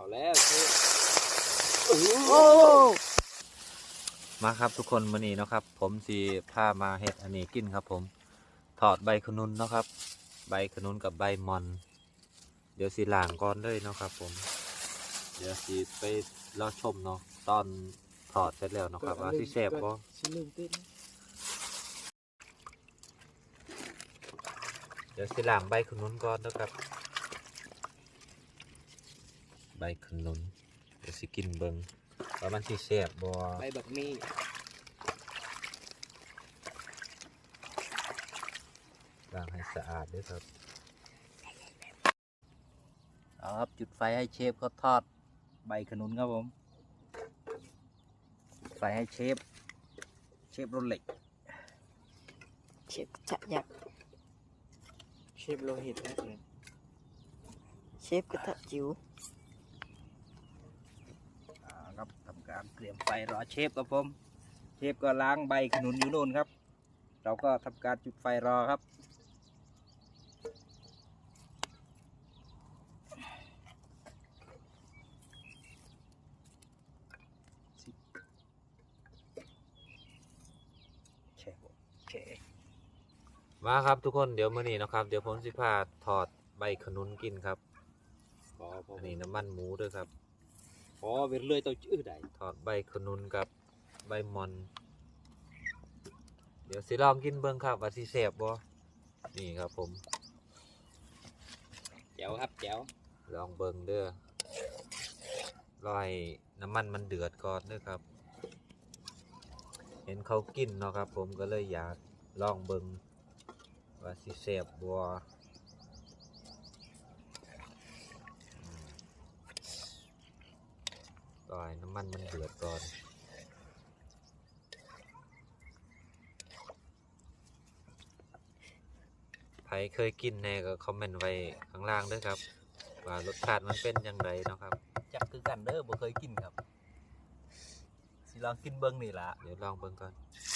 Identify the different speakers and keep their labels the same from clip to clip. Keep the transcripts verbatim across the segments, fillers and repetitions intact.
Speaker 1: แล้ว
Speaker 2: มาครับทุกคนวันนี้เนาะครับผมสีพามาเฮ็ดอันนี้กินครับผมถอดใบขนุนเนาะครับใบขนุนกับใบมอนเดี๋ยวสีล้างก่อนเลยเนาะครับผมเดี๋ยวสีไปรอชมเนาะตอนถอดเสร็จแล้วเนาะครับว่าสีแซ่บบ่เดี๋ยวสีล้างใบขนุนก่อนนะครับใบขนุนเดี๋ยวสิกินเบิ่งว่ามันสิแซ่บบ่
Speaker 1: ใบบักมี่
Speaker 2: ล้างให้สะอาดด้วยครับเอาครับจุดไฟให้เชฟเขาทอดใบขนุนครับผมไฟให้เชฟเชฟรถเหล็ก
Speaker 3: เชฟจะยักษ์
Speaker 1: เชฟโลหิตนะเลย
Speaker 3: เชฟกระทะจิ๋ว
Speaker 2: ครับทำการเตรียมไฟรอเชฟครับผมเชฟก็ล้างใบขนุนอยู่โน่นครับเราก็ทำการจุดไฟรอครับมาครับทุกคนเดี๋ยวมื้อนี้นะครับเดี๋ยวผมสิพาถอดใบขนุนกินครับอันนี้น้ำมันหมูด้วยครับ
Speaker 1: พอเวรเลยตัวจื้อใด
Speaker 2: ถอดใบขนุนกับใบมอนเดี๋ยวสิลองกินเบิ้งครับว่าสิแซ่บบ่นี่ครับผม
Speaker 1: แจ๋วครับแจ๋ว
Speaker 2: ลองเบิ้งเด้อรอให้น้ำมันมันเดือดก่อนเด้อครับเห็นเขากินเนาะครับผมก็เลยอยากลองเบิ้งว่าสิแซ่บบ่รอให้น้ำมันมันเดือดก่อนใครเคยกินแน่ก็คอมเมนต์ไว้ข้างล่างด้วยครับว่ารสชาติมันเป็นยังไงเนาะครับจักคือกันเด้อบ่เคยกินครับสิลองกินเบิ้งนี่ล่ะเดี๋ยวลองเบิ้งก่อน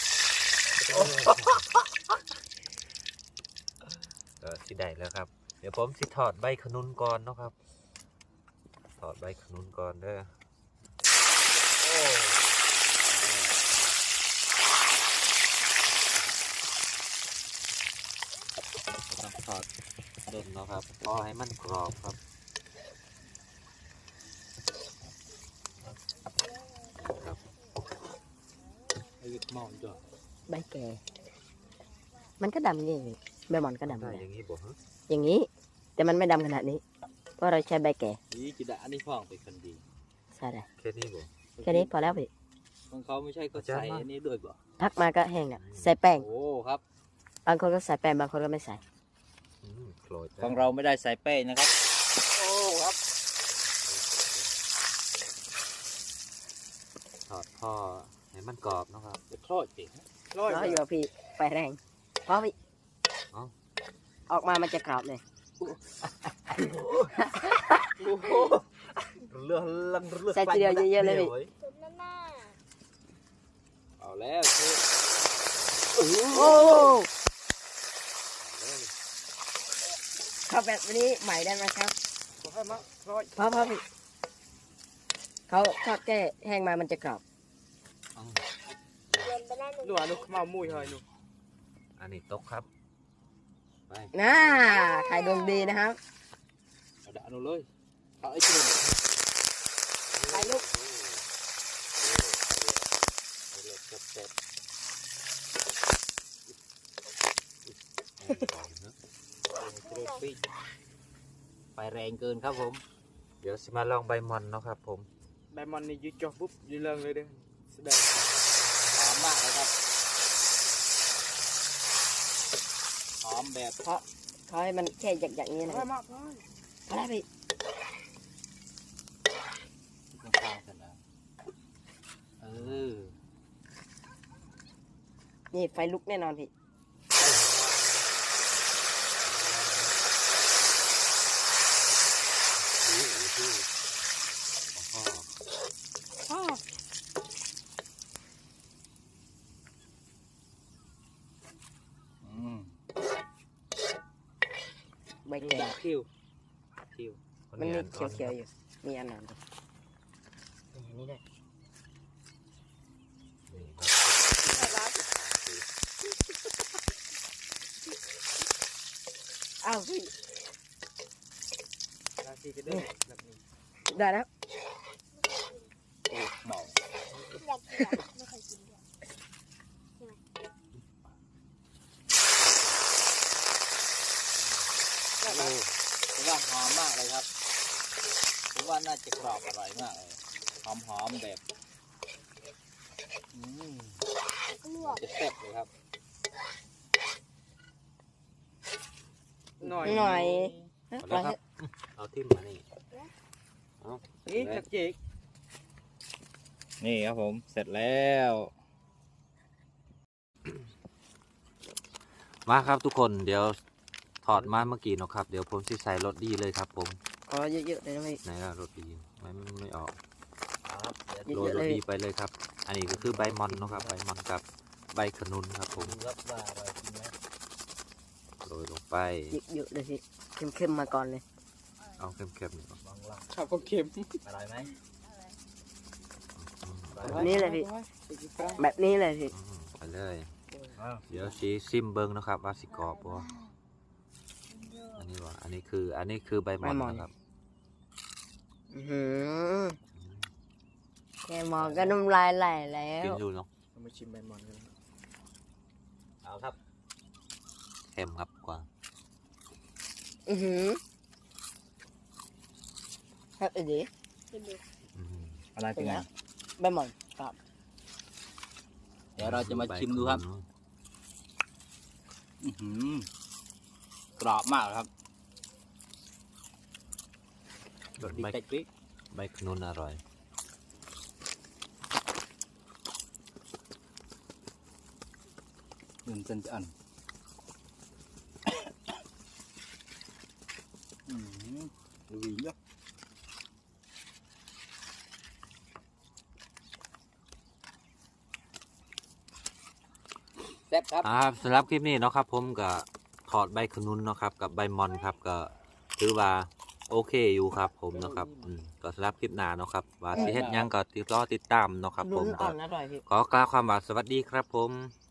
Speaker 2: ก็สิได้แล้วครับเดี๋ยวผมสิถอดใบขนุนก่อนเนาะครับถอดใบขนุนก่อนเด้อถอดเด่นเนาะครับพอให้มันกรอบครับครับ
Speaker 1: ไอ้หมอนจ้ะ
Speaker 3: ใบแก่มันก็ดำอย่างนี้ใบหมอนก็ดำ
Speaker 2: ได้อย่างนี้บ่ฮะ
Speaker 3: อย่างนี้แต่มันไม่ดำขนาดนี้เพราะเราใช้ใบแก่
Speaker 1: นี่จิดะอันนี้พ่องเป็นคนดี
Speaker 3: ใช่เลย
Speaker 2: แค่นี้บ่
Speaker 3: แค่นี้พอแล้วพี่
Speaker 1: ของเขาไม่ใช่ก็ใส่อันนี้ด้วยบ่
Speaker 3: พักมาก็แห้งอ่ะใส่แป้ง
Speaker 1: โอ้ครับ
Speaker 3: บางคนก็ใส่แป้งบางคนก็ไม่ใส่
Speaker 1: ของเราไม่ได้ใส่แป้งนะครับโอ้ครับ
Speaker 2: ถอดพ่อให้มันกรอบนะครับ
Speaker 1: จะทอดสิ
Speaker 3: ร้อยอยู่พี่ไฟแรงเพราะพี่ออกมามันจะกรอบเลย
Speaker 2: เลือดลังเลือด
Speaker 3: ใส่ทีเดียวเยอะๆเลยพี่
Speaker 1: เอาแล้ว
Speaker 3: โอ้ข้าวแบบนี้ใหม่ได้ไหมครับพ่อพ่อพี่เขาทอดแก้แห้งมามันจะกรอบ
Speaker 1: ลูกลูกมามุ้ยให้ลูก
Speaker 2: อันนี้ตกครับ
Speaker 3: ไปน่าไข่ดวงดีนะครับ
Speaker 1: เอาด่าหนูเลยเอาไอ้ชิ้น
Speaker 3: ไปลูก
Speaker 1: ไฟแรงเกินครับผม
Speaker 2: เดี๋ยวสิมาลองใบมอนเนาะครับผม
Speaker 1: ใบมอนนี่ยืดจ่อปุ๊บยืดเรื่องเลยเด้อแสดงหอมมากเลยครับหอมแบบ
Speaker 3: เพราะเขาให้มันแค่หยักๆนี้นะ
Speaker 1: พอมากพอ
Speaker 3: พอแล้วพี่
Speaker 1: ต้องข้าวกันนะเออ
Speaker 3: นี่ไฟลุกแน่นอนพี่ใบแก่
Speaker 1: คิวคิว
Speaker 3: มันมีเขียวๆอยู่มีอันนั้นด้วยมีอันนี้ด้วย
Speaker 2: นี่ครับ
Speaker 3: อ้าวพี่
Speaker 1: ราศีจะเด้อแบบนี้
Speaker 3: ได้แล้ว
Speaker 2: โอ้เมา
Speaker 4: อยากกินอะไม่เคยกินด้วย
Speaker 2: โอ้ผมว่าหอมมากเลยครับผมว่าน่าจะกรอบอร่อยมากเลยหอมหอมๆแบบอืม
Speaker 4: ลวก
Speaker 2: จะแซ่บเลยครับ
Speaker 1: หน่อย
Speaker 3: หน่อย
Speaker 2: เอาแล้วครับเอาทิ่มมานี่
Speaker 1: นี่จักเจ๊ก
Speaker 2: นี่ครับผมเสร็จแล้ว มาครับทุกคนเดี๋ยวถอดมาเมื่อกี้เนาะครับเดี๋ยวผมสิใส่รสดีเลยครับผม
Speaker 3: ขอเยอะๆเลยนะพี่
Speaker 2: ไหนล่ะรสดีไม่ไม่ไม่ออก
Speaker 3: เย
Speaker 2: โรย
Speaker 3: อะๆ
Speaker 2: ร
Speaker 3: เล
Speaker 2: ส
Speaker 3: ย
Speaker 2: ดีไปเลยครับ อันนี้ก็คือใบมอนเนาะครับใบมอนกับใบขนุนครับผม
Speaker 5: รับว่าอร่อยจริงไหม
Speaker 2: โรยลงไป
Speaker 3: เยอะๆเลยพี่เข้มๆมาก่อนเลย
Speaker 2: เอาเข้มๆหน่อยก่อน
Speaker 5: ลองลอง
Speaker 1: ข้าวก็เค็ม
Speaker 5: อร่อยไหม
Speaker 2: อืม
Speaker 3: แบบนี้เลยพี่ แบบนี้เลยพี่
Speaker 2: อืมไปเลย
Speaker 5: อ้าว
Speaker 2: เดี๋ยวสีซิมเบิ้งนะครับว่าสิกรอบบ่อันนี้ว่าอันนี้คืออันนี้คือใบมอนนะครับ
Speaker 3: อื้อหือแค่มองก็น้ำลายไหลแล้
Speaker 2: กิน
Speaker 3: ว
Speaker 2: ดูเนาะ
Speaker 1: เรามาชิมใบมอนกัน
Speaker 5: เอาครับ
Speaker 2: เค็มครับกว่า
Speaker 3: อือหือครับอีดี
Speaker 4: กินดู
Speaker 2: อืม
Speaker 5: อะไรเป็นไง
Speaker 3: ใบหมอนครับ
Speaker 5: เดี๋ยวเราจะมาชิมดูครับ
Speaker 2: ใขนุน
Speaker 5: อื้อหือกรอบมากครับรสดี
Speaker 2: ใบ
Speaker 5: ใจกริ๊ก
Speaker 2: ใบขนุนอร่อย
Speaker 5: หนึ่งเซนจะอันอืมดูดีเยอะแซ่บครับ
Speaker 2: อ่าสำหรับคลิปนี้เนาะครับผมก็ถอดใบขนุนเนาะครับกับใบมอนครับก็ถือว่าโอเคอยู่ครับผมเนาะครับอืมก็สำหรับคลิปหน้าเนาะครับว่าสิเฮ็ดหยังก็ติดรอติดตามเนาะครับผ
Speaker 3: ลุ้
Speaker 2: ม
Speaker 3: น
Speaker 2: ก็
Speaker 3: อ่อนอร่อยพี่
Speaker 2: ขอกล่าวความว่าสวัสดีครับผม